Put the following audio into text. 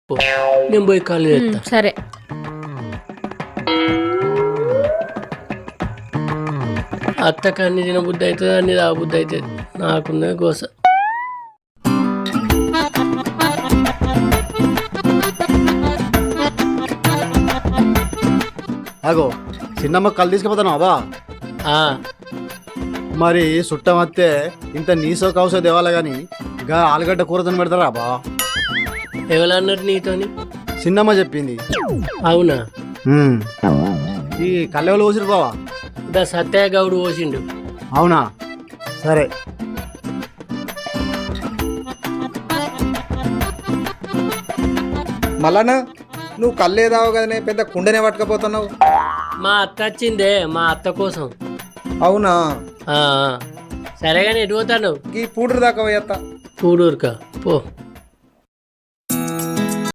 పో. నేను పోయి కాళ్ళు చేస్తా. సరే. అత్తకు అన్ని తినబుద్ధి అవుతుంది, అన్ని తాగబుద్ధి అవుతుంది. నాకున్నది గోస. అగో చిన్నమ్మ కళ్ళు తీసుకుపోతాను బా. ఆ, మరి చుట్టం వస్తే ఇంత నీసో కౌసో దేవాలా గాని గా ఆలుగడ్డ కూరతోని పెడతారా బా? ఎవరన్నారు నీతోని? చిన్నమ్మ చెప్పింది. అవునా? ఈ కళ్ళెవలు పోసిరు బావా? దా సత్యయ్య గౌడు పోసిండు. అవునా? సరే. మళ్ళా నువ్వు కళ్ళేదావు కదనే పెద్ద కుండనే పట్టుకపోతున్నావు. మా అత్త వచ్చిందే, మా అత్త కోసం. అవునా? సరేగాని ఎటు పోతాను? ఈ పూటరు దాకా పోయేత్తా. కూడూరుకా పో.